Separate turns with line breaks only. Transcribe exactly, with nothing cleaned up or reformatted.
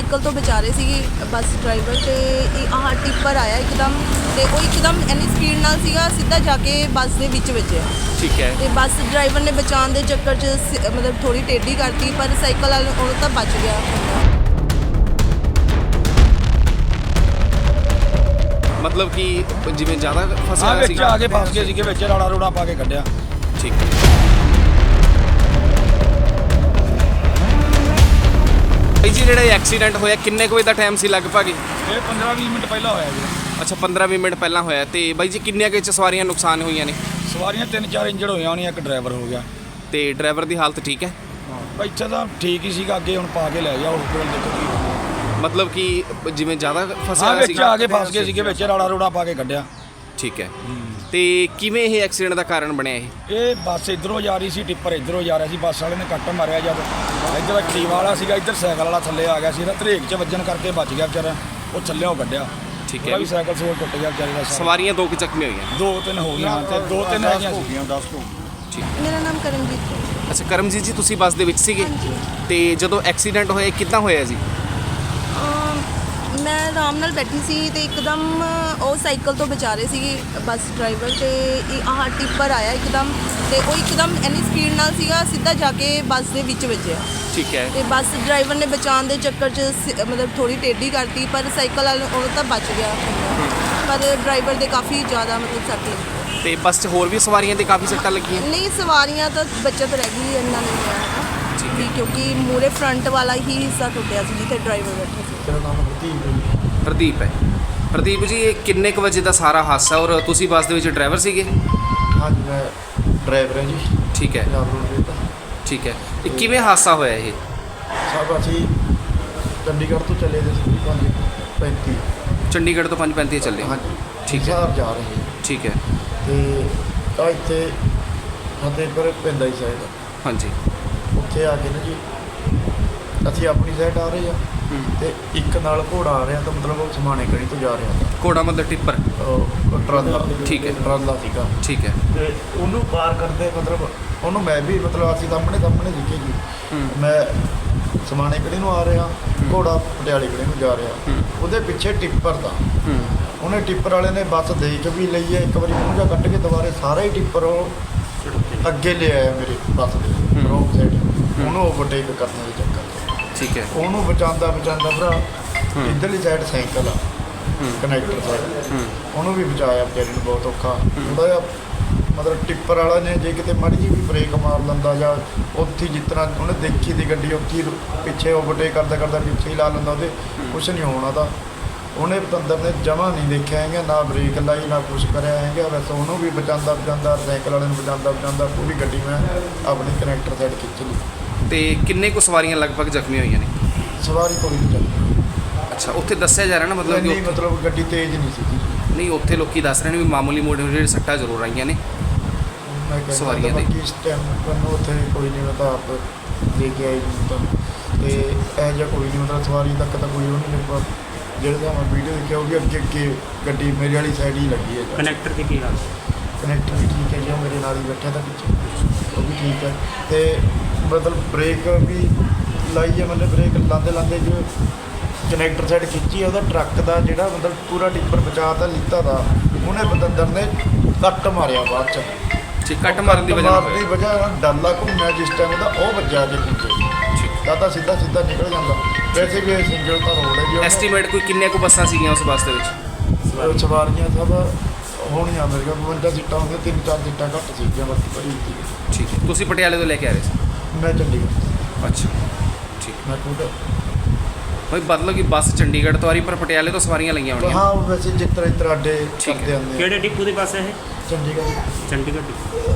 Cycle ਤੋਂ ਬਚਾ ਰਹੇ ਸੀਗੇ ਬੱਸ ਡਰਾਈਵਰ ਤੇ ਇਹ ਆਹ ਟਿੱਪਰ ਆਇਆ ਇੱਕਦਮ ਤੇ ਉਹ ਇੱਕਦਮ ਇੰਨੀ ਸਪੀਡ ਨਾਲ ਸੀਗਾ ਸਿੱਧਾ ਜਾ ਕੇ ਬੱਸ ਦੇ ਵਿੱਚ ਵੱਜਿਆ।
ਠੀਕ ਹੈ।
ਤੇ ਬੱਸ ਡਰਾਈਵਰ ਨੇ ਬਚਾਉਣ ਦੇ ਚੱਕਰ 'ਚ ਸ- ਮਤਲਬ ਥੋੜੀ ਟੇਢੀ ਕਰਤੀ ਪਰ ਸਾਈਕਲ ਵਾਲੇ ਉਹ ਤਾਂ ਬਚ ਗਿਆ।
ਮਤਲਬ ਕਿ ਜਿਵੇਂ ਜ਼ਿਆਦਾ ਫਸਿਆ
ਹਾਂ
ਹੋਇਆ
ਵਿੱਚ
ਸੀਗਾ।
ਆ ਕੇ ਫਸ ਗਏ ਸੀਗੇ, ਵਿੱਚ ਰਾੜਾ ਰੋੜਾ ਪਾ ਕੇ ਕੱਢਿਆ।
ਠੀਕ ਹੈ। ਭਾਈ ਜੀ ਜਿਹੜਾ ਐਕਸੀਡੈਂਟ ਹੋਇਆ ਕਿੰਨੇ ਕੁ ਵਜੇ ਦਾ ਟਾਈਮ ਸੀ ਲਗਭਗ?
ਇਹ ਪੰਦਰਾਂ ਵੀਹ ਮਿੰਟ ਪਹਿਲਾਂ ਹੋਇਆ ਜੀ।
ਅੱਛਾ ਪੰਦਰਾਂ ਵੀਹ ਮਿੰਟ ਪਹਿਲਾਂ ਹੋਇਆ। ਤੇ ਬਾਈ ਜੀ ਕਿੰਨੀਆਂ ਕੁ 'ਚ ਸਵਾਰੀਆਂ ਨੁਕਸਾਨ ਹੋਈਆਂ ਨੇ?
ਸਵਾਰੀਆਂ ਤਿੰਨ ਚਾਰ ਇੰਜਰਡ ਹੋਈਆਂ ਹੋਣੀਆਂ, ਇੱਕ ਡਰਾਈਵਰ ਹੋ ਗਿਆ।
ਤੇ ਡਰਾਈਵਰ ਦੀ ਹਾਲਤ ਠੀਕ ਹੈ?
ਹਾਂ ਇੱਥੇ ਤਾਂ ਠੀਕ ਹੀ ਸੀਗਾ, ਅੱਗੇ ਹੁਣ ਪਾ ਕੇ ਲੈ ਗਿਆ ਹਸਪੀਟਲ ਦੇਖੋ ਕੀ ਹੋਇਆ।
ਮਤਲਬ ਕਿ ਜਿਵੇਂ ਜ਼ਿਆਦਾ ਫਸਿਆ
ਹਾਂ
ਹੋਇਆ
ਵਿੱਚ
ਸੀਗਾ।
ਆ ਕੇ ਫਸ ਗਏ ਸੀਗੇ, ਵਿੱਚ ਰਾੜਾ ਰੋੜਾ ਪਾ ਕੇ ਕੱਢਿਆ।
ਠੀਕ ਹੈ। ਤੇ ਕਿਵੇਂ ਇਹ ਐਕਸੀਡੈਂਟ ਦਾ ਕਾਰਨ ਬਣਿਆ ਇਹ?
ਇਹ ਬੱਸ ਇੱਧਰੋਂ ਜਾ ਰਹੀ ਸੀ, ਟਿੱਪਰ ਇੱਧਰੋਂ ਜਾ ਰਿਹਾ ਸੀ। ਬੱਸ ਵਾਲੇ ਨੇ ਕੱਟ ਮਾਰਿਆ ਜਦ ਇੱਧਰ ਐਕਟਿਵ ਵਾਲਾ ਸੀਗਾ, ਇੱਧਰ ਸਾਈਕਲ ਵਾਲਾ ਥੱਲੇ ਆ ਗਿਆ ਸੀ। ਧਰੇਕ 'ਚ ਵੱਜਣ ਕਰਕੇ ਬਚ ਗਿਆ ਵਿਚਾਰਾ, ਉਹ ਥੱਲਿਓਂ ਕੱਢਿਆ।
ਠੀਕ
ਉਹਦਾ
ਹੈ।
ਵੀ ਸਾਈਕਲ ਸੋਲ ਟੁੱਟ ਗਿਆ ਵਿਚਾਰੇ ਦਾ ਸਾਰਾ।
ਸਵਾਰੀਆਂ ਦੋ ਕੁ ਜ਼ਖਮੀ ਹੋਈਆਂ।
ਦੋ ਤਿੰਨ ਹੋ ਗਈਆਂ ਤੇ ਦੋ ਤਿੰਨ ਹੈਗੀਆਂ ਸੀਗੀਆਂ ਦਸ ਤੋਂ।
ਠੀਕ।
ਮੇਰਾ ਨਾਮ ਕਰਮਜੀਤ ਕੌਰ।
ਅੱਛਾ ਕਰਮਜੀਤ ਜੀ ਤੁਸੀਂ ਬੱਸ ਦੇ ਵਿੱਚ ਸੀਗੇ? ਤੇ ਜਦੋਂ ਐਕਸੀਡੈਂਟ ਹੋਇਆ ਕਿੱਦਾਂ ਹੋਇਆ ਜੀ?
ਅਮ ਮੈਂ ਆਰਾਮ ਨਾਲ ਬੈਠੀ ਸੀ ਤੇ ਇੱਕਦਮ ਉਹ ਸਾਈਕਲ ਤੋਂ ਬਚਾ ਰਹੇ ਸੀਗੇ ਬੱਸ ਡਰਾਈਵਰ ਤੇ ਇਹ ਆਹ ਟਿੱਪਰ ਆਇਆ ਇੱਕਦਮ ਤੇ ਉਹ ਇੱਕਦਮ ਇੰਨੀ ਸਪੀਡ ਨਾਲ ਸੀਗਾ ਸਿੱਧਾ ਜਾ ਕੇ ਬੱਸ ਦੇ ਵਿੱਚ ਵੱਜਿਆ।
ਠੀਕ ਹੈ।
ਤੇ ਬੱਸ ਡਰਾਈਵਰ ਨੇ ਬਚਾਉਣ ਦੇ ਚੱਕਰ 'ਚ ਸ- ਮਤਲਬ ਥੋੜੀ ਟੇਢੀ ਕਰਤੀ ਪਰ ਸਾਈਕਲ ਵਾਲੇ ਉਹ ਤਾਂ ਬਚ ਗਿਆ ਪਰ ਡਰਾਈਵਰ ਦੇ ਕਾਫੀ ਜ਼ਿਆਦਾ ਮਤਲਬ ਸੱਟ ਲੱਗੀ।
ਤੇ ਬੱਸ 'ਚ ਹੋਰ ਵੀ ਸਵਾਰੀਆਂ ਦੇ ਕਾਫੀ ਸੱਟਾਂ ਲੱਗੀਆਂ?
ਨਹੀਂ ਸਵਾਰੀਆਂ ਤਾਂ ਬਚਤ ਰਹਿ ਗਈ, ਇੰਨਾ ਨਹੀਂ ਹੋਇਆ ਹੈਗਾ
ਠੀਕ
ਵੀ ਕਿਉਂਕਿ ਮੂਰੇ ਫਰੰਟ ਵਾਲਾ ਹੀ ਹਿੱਸਾ ਟੁੱਟਿਆ ਸੀ ਜਿੱਥੇ ਡਰਾਈਵਰ ਬੈਠਾ ਸੀ।
ਮੇਰਾ ਨਾਮ ਹਰਦੀਪ ਹੈ।
ਪ੍ਰਦੀਪ ਹੈ। ਪ੍ਰਦੀਪ ਜੀ ਇਹ ਕਿੰਨੇ ਕੁ ਵਜੇ ਦਾ ਸਾਰਾ ਹਾਦਸਾ ਔਰ ਤੁਸੀਂ ਬੱਸ ਦੇ ਵਿੱਚ ਡਰਾਈਵਰ ਸੀਗੇ?
ਹਾਂਜੀ ਮੈਂ ਡਰਾਈਵਰ ਹਾਂ ਜੀ
ਠੀਕ ਹੈ।
ਪੰਜਾਬ ਰੋਡ ਦਾ।
ਠੀਕ ਹੈ। ਇਹ ਕਿਵੇਂ ਹਾਦਸਾ ਹੋਇਆ ਇਹ?
ਸਭ ਅਸੀਂ ਚੰਡੀਗੜ੍ਹ ਤੋਂ ਚੱਲੇ ਦੇ ਸੀ ਪੰਜ ਪੈਂਤੀ।
ਚੰਡੀਗੜ੍ਹ ਤੋਂ ਪੰਜ ਪੈਂਤੀ ਚੱਲੇ?
ਹਾਂਜੀ
ਠੀਕ ਹੈ।
ਹਿਸਾਰ ਜਾ ਰਹੇ
ਠੀਕ ਹੈ।
ਤੇ ਤਾਂ ਇੱਥੇ ਫਤਿਹਪੁਰ ਪੈਂਦਾ ਹੀ ਸਾਈਡ,
ਹਾਂਜੀ।
ਉੱਥੇ ਆ ਕੇ ਨਾ ਜੀ ਅਸੀਂ ਆਪਣੀ ਸਾਈਡ ਆ ਰਹੇ ਆ
ਹੂੰ।
ਤੇ ਇੱਕ ਨਾਲ ਘੋੜਾ ਆ ਰਿਹਾ ਤਾਂ ਮਤਲਬ ਉਹ ਸਮਾਣੇ ਕੜੀ ਤੋਂ ਜਾ ਰਿਹਾ
ਘੋੜਾ ਮਤਲਬ ਟਿੱਪਰ?
ਉਹ ਟਰਾਲਾ।
ਠੀਕ ਹੈ।
ਟਰਾਲਾ ਸੀਗਾ
ਠੀਕ ਹੈ।
ਤੇ ਉਹਨੂੰ ਪਾਰ ਕਰਦੇ ਮਤਲਬ ਉਹਨੂੰ ਮੈਂ ਵੀ ਮਤਲਬ ਅਸੀਂ ਸਾਹਮਣੇ ਸਾਹਮਣੇ ਦਿਖੇ ਜੀ।
ਹੂੰ।
ਮੈਂ ਸਮਾਣੇ ਕੜੀ ਨੂੰ ਆ ਰਿਹਾ, ਘੋੜਾ ਪਟਿਆਲੇ ਕੜੀ ਨੂੰ ਜਾ ਰਿਹਾ।
ਹੂੰ।
ਉਹਦੇ ਪਿੱਛੇ ਟਿੱਪਰ ਦਾ
ਹੂੰ।
ਉਹਨੇ ਟਿੱਪਰ ਵਾਲੇ ਨੇ ਬੱਸ ਦੇਖ ਵੀ ਲਈ ਹੈ, ਇੱਕ ਵਾਰੀ ਮੂੰਹ ਜਾ ਕੱਢ ਕੇ ਦੁਬਾਰੇ ਸਾਰਾ ਹੀ ਟਿੱਪਰ ਉਹ ਅੱਗੇ ਲੈ ਆਇਆ ਮੇਰੇ ਬੱਸ ਦੇ
ਹੂੰ।
Wrong side. ਉਹਨੂੰ ਓਵਰਟੇਕ ਕਰਨ ਦੇ ਚੱਕਰ 'ਚ
ਠੀਕ ਹੈ।
ਉਹਨੂੰ ਬਚਾਉਂਦਾ ਬਚਾਉਂਦਾ ਭਰਾ
ਹੂੰ।
ਇੱਧਰਲੀ ਸਾਈਡ ਸਾਈਕਲ ਆ
ਹੂੰ।
ਕਨੈਕਟਰ ਸਾਈਡ,
ਹੂੰ।
ਉਹਨੂੰ ਵੀ ਬਚਾਇਆ ਵਿਚਾਰੇ ਨੂੰ ਬਹੁਤ ਔਖਾ। ਉਹਦਾ ਜਿਹਾ ਮਤਲਬ ਟਿੱਪਰ ਵਾਲਾ ਨੇ ਜੇ ਕਿਤੇ ਮਾੜੀ ਜਿਹੀ ਵੀ ਬ੍ਰੇਕ ਮਾਰ ਲੈਂਦਾ ਜਾਂ ਉੱਥੇ ਜਿਸ ਤਰ੍ਹਾਂ ਉਹਨੇ ਦੇਖੀ ਦੀ ਗੱਡੀ ਉੱਥੇ ਹੀ ਪਿੱਛੇ ਓਵਰਟੇਕ ਕਰਦਾ ਕਰਦਾ ਪਿੱਛੇ ਹੀ ਲਾ ਲੈਂਦਾ, ਉਹਦੇ ਕੁਛ ਨਹੀਂ ਹੋਣਾ ਤਾਂ। ਉਹਨੇ ਪਤੰਦਰ ਨੇ ਜਮਾਂ ਨਹੀਂ ਦੇਖਿਆ ਹੈਗਾ, ਨਾ ਬ੍ਰੇਕ ਲਾਈ ਨਾ ਕੁਛ ਕਰਿਆ ਹੈਗਾ। ਵੈਸੇ ਉਹਨੂੰ ਵੀ ਬਚਾਉਂਦਾ ਬਚਾਉਂਦਾ ਸਾਈਕਲ ਵਾਲੇ ਨੂੰ ਬਚਾਉਂਦਾ ਬਚਾਉਂਦਾ ਪੂਰੀ ਗੱਡੀ ਮੈਂ ਆਪਣੀ ਕਨੈਕਟਰ ਸਾਈਡ ਖਿੱਚ ਲਈ।
ਤੇ ਕਿੰਨੇ ਕੁ ਸਵਾਰੀਆਂ ਲਗਭਗ ਜ਼ਖਮੀ ਹੋਈਆਂ ਨੇ?
ਸਵਾਰੀ ਕੋਈ ਨਹੀਂ ਚੱਲੀ।
ਅੱਛਾ ਉੱਥੇ ਦੱਸਿਆ ਜਾ ਰਿਹਾ ਨਾ ਮਤਲਬ
ਨਹੀਂ
ਕਿ
ਮਤਲਬ ਗੱਡੀ ਤੇਜ਼ ਨਹੀਂ ਸੀਗੀ।
ਨਹੀਂ ਉੱਥੇ ਲੋਕੀ ਦੱਸ ਰਹੇ ਨੇ ਵੀ ਮਾਮੂਲੀ ਮੋਟੇ ਜਿਹੜੇ ਸੱਟਾਂ ਜ਼ਰੂਰ ਆਈਆਂ ਨੇ
ਮੈਂ ਕਹਿੰਦਾ
ਸਵਾਰੀਆਂ ਦੇ।
ਬਾਕੀ ਇਸ ਟਾਈਮ ਮੈਨੂੰ ਉੱਥੇ ਕੋਈ ਨਹੀਂ, ਮੈਂ ਤਾਂ ਆਪ ਦੇ ਕੇ ਆਈ ਜੀ ਤਾਂ। ਤੇ ਇਹ ਜਿਹਾ ਕੋਈ ਨਹੀਂ ਮਤਲਬ ਸਵਾਰੀ ਤੱਕ ਤਾਂ ਕੋਈ ਉਹ ਨਹੀਂ ਲੱਗਾ। ਜਿਹੜੇ ਤਾਂ ਮੈਂ ਵੀਡੀਓ ਦੇਖਿਆ ਉਹ ਵੀ ਅੱਗੇ ਅੱਗੇ ਗੱਡੀ ਮੇਰੇ ਵਾਲੀ ਸਾਈਡ ਹੀ ਲੱਗੀ ਹੈ।
ਕਨੈਕਟਰ ਦੀ ਕੀ ਹਾਲ?
ਕਨੈਕਟਰ ਵੀ ਠੀਕ ਹੈ ਜੀ, ਉਹ ਮੇਰੇ ਨਾਲ ਹੀ ਬੈਠਾ ਤਾਂ ਪਿੱਛੇ, ਉਹ ਵੀ ਠੀਕ ਹੈ। ਤੇ ਮਤਲਬ ਬ੍ਰੇਕ ਵੀ ਲਾਈ ਹੈ, ਮਤਲਬ ਬ੍ਰੇਕ ਲਾਉਂਦੇ ਲਾਉਂਦੇ ਜੋ ਕਨੈਕਟਰ ਸਾਈਡ ਖਿੱਚੀ ਹੈ, ਉਹਦਾ ਟਰੱਕ ਦਾ ਜਿਹੜਾ ਮਤਲਬ ਪੂਰਾ ਟਿੱਪਰ ਬਚਾ ਤਾਂ ਲਿੱਤਾ ਦਾ, ਉਹਨੇ ਬਤੰਦਰ ਨੇ ਕੱਟ ਮਾਰਿਆ ਬਾਅਦ 'ਚ।
ਠੀਕ ਕੱਟ ਮਾਰਨ ਦੀ ਵਜ੍ਹਾ ਨਾਲ
ਮਾਰਨ ਦੀ
ਹੋਇਆ।
ਵਜ੍ਹਾ ਨਾਲ ਡਾਲਾ ਘੁੰਮਿਆ ਜਿਸ ਟਾਈਮ ਉਹਦਾ ਉਹ ਵੱਜਾ ਕੇ ਪਿੱਛੇ, ਤਾਂ ਤਾਂ ਸਿੱਧਾ ਸਿੱਧਾ ਨਿਕਲ ਜਾਂਦਾ। ਵੈਸੇ ਵੀ ਇਹ ਸਿੰਗਲ ਤਾਂ ਰੋਡ ਹੈ ਜੀ।
ਐਸਟੀਮੇਟ ਕੋਈ ਕਿੰਨੇ ਕੁ ਬੱਸਾਂ ਸੀਗੀਆਂ ਉਸ ਬੱਸ ਦੇ ਵਿੱਚ?
ਉਹਨੇ ਸਵਾਰੀਆਂ ਸਭ ਹੋਣੀਆਂ ਮੇਰੇ ਕੋਲ ਬਵੰਜਾ ਸੀਟਾਂ ਹੁੰਦੀਆਂ, ਤਿੰਨ ਚਾਰ ਸੀਟਾਂ ਘੱਟ ਸੀਗੀਆਂ ਬਾਕੀ ਭਰੀ ਸੀ।
ਠੀਕ ਹੈ। ਤੁਸੀਂ ਪਟਿਆਲੇ ਤੋਂ ਲੈ ਕੇ ਆ ਰਹੇ ਸੀ?
ਮੈਂ ਚੰਡੀਗੜ੍ਹ
ਅੱਛਾ ਠੀਕ।
ਮੈਂ ਖੁਦ
ਭਾਈ ਮਤਲਬ ਕਿ ਬੱਸ ਚੰਡੀਗੜ੍ਹ ਤੋਂ ਆ ਰਹੀ ਪਰ ਪਟਿਆਲੇ ਤੋਂ ਸਵਾਰੀਆਂ ਲਈਆਂ ਹੋਣੀਆਂ?
ਹਾਂ ਵੈਸੇ ਜਿਸ ਤਰ੍ਹਾਂ ਇਸ ਤਰ੍ਹਾਂ ਅੱਡੇ
ਠੀਕ ਹੈ।
ਕਰਦੇ ਆਉਂਦੇ ਆ
ਕਿਹੜੇ ਡਿਪੂ ਦੇ ਪਾਸੇ ਹੈ?
ਚੰਡੀਗੜ੍ਹ।
ਚੰਡੀਗੜ੍ਹ ਡਿਪੂ।